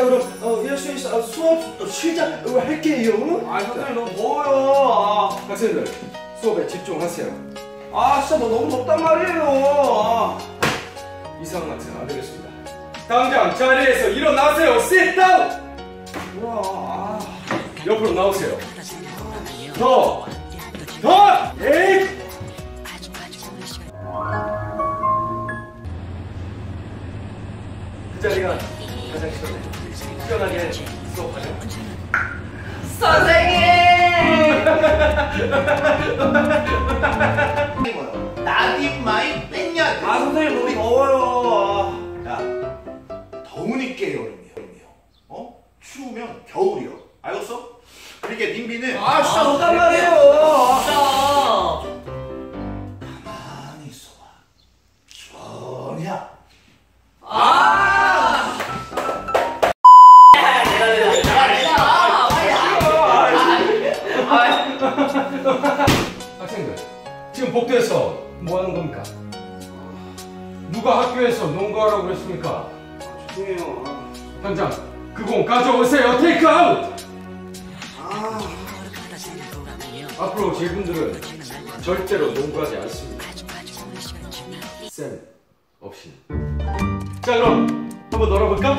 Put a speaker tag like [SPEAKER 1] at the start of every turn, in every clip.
[SPEAKER 1] 그럼 일수인 수업 시작할게요.
[SPEAKER 2] 아 선생님 너무 더워요.
[SPEAKER 1] 학생들 수업에 집중하세요.
[SPEAKER 2] 진짜 뭐 너무 덥단 말이에요.
[SPEAKER 1] 이상한 학생 안 되겠습니다. 당장 자리에서 일어나세요. Sit down.
[SPEAKER 2] 뭐야?
[SPEAKER 1] 옆으로 나오세요. 더. 에이. 그 자리가 가장 시원하게 수업하죠.
[SPEAKER 3] 선생님!
[SPEAKER 4] 나딘마이 뺐냐?
[SPEAKER 2] 선생님 너무 더워요.
[SPEAKER 4] 야, 더우니까 여름이요. 추우면 겨울이요. 알겠어? 그러니까 님비는
[SPEAKER 2] 진짜 덥단 말이에요.
[SPEAKER 4] 가만히 있어봐. 전혀.
[SPEAKER 1] 학생들 지금 복도에서 뭐 하는 겁니까? 누가 학교에서 농구하라고 그랬습니까?
[SPEAKER 2] 죄송해요.
[SPEAKER 1] 당장 그 공 가져오세요. 테이크 아웃. 앞으로 제분들은 절대로 농구하지 않습니다. 쌤 없이. 자 그럼 한번 놀아볼까?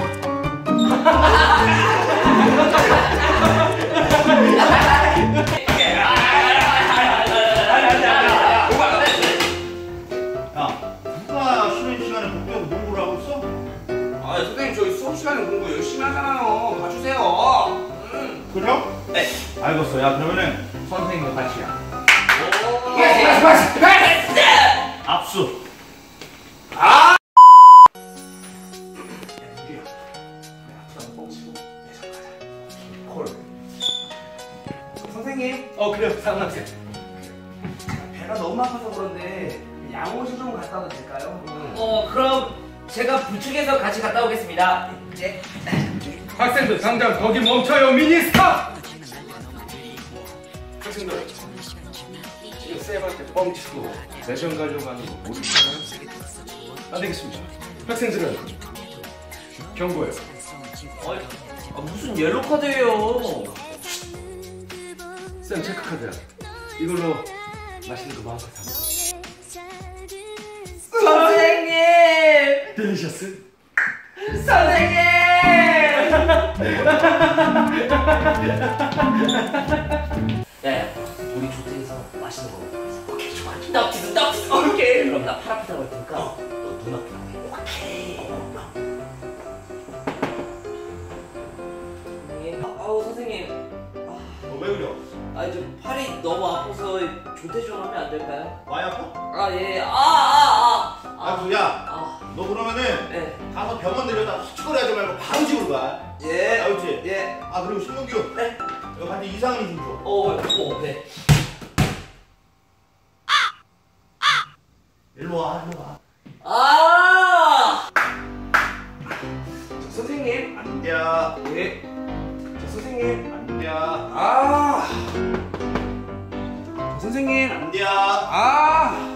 [SPEAKER 4] 야, 누가 쉬는 시간에 복도에서 농구를 하고 있어?
[SPEAKER 2] 선생님 저희 수업 시간에 공부 열심히 하잖아요. 봐주세요.
[SPEAKER 4] 그래요? 네. 알겠어. 야, 그러면은 선생님과 같이야. 압수.
[SPEAKER 2] 선생님.
[SPEAKER 1] 그래요. 상학생.
[SPEAKER 2] 배가 너무 아파서 그런데 양호실 좀 갔다 와도 될까요?
[SPEAKER 3] 그럼 제가 부축해서 같이 갔다 오겠습니다. 네.
[SPEAKER 1] 학생들 당장 거기 멈춰요. 미니스탑. 학생들 지금 쌤한테 뻥치고 내전 가려고 하는 거 모르시나요? 안 되겠습니다. 학생들은 경고예요.
[SPEAKER 3] 무슨 옐로 카드예요?
[SPEAKER 1] 쌤 체크카드야. 이걸로 맛있는 거 마음껏 사 먹어.
[SPEAKER 3] 선생님!
[SPEAKER 1] 딜리셔스?
[SPEAKER 3] 선생님! 야, 우리 조퇴해서 맛있는 거 먹자. 오케이, 좋아. 떡지도. 오케이. 그럼 나 팔 아프다고 할 테니까 너 눈 아프다고 해. 오케이. 선생님.
[SPEAKER 4] 왜 그래?
[SPEAKER 3] 저 팔이 너무 아파서 조퇴 좀 하면 안 될까요?
[SPEAKER 4] 많이 아파?
[SPEAKER 3] 예.
[SPEAKER 4] 야, 너 그러면은
[SPEAKER 3] 네.
[SPEAKER 4] 가서 병원 들여다 휘죽거리하지 말고 바로 집으로 가.
[SPEAKER 3] 예.
[SPEAKER 4] 알겠지?
[SPEAKER 3] 예.
[SPEAKER 4] 그리고 신동규.
[SPEAKER 3] 네.
[SPEAKER 4] 너 간테 이상이 좀 줘.
[SPEAKER 3] 네.
[SPEAKER 4] 일로 와.
[SPEAKER 2] 선생님.
[SPEAKER 4] 안 돼.
[SPEAKER 2] 예. 선생님.
[SPEAKER 4] 안 돼.
[SPEAKER 2] 선생님.
[SPEAKER 4] 안 돼.
[SPEAKER 2] 아.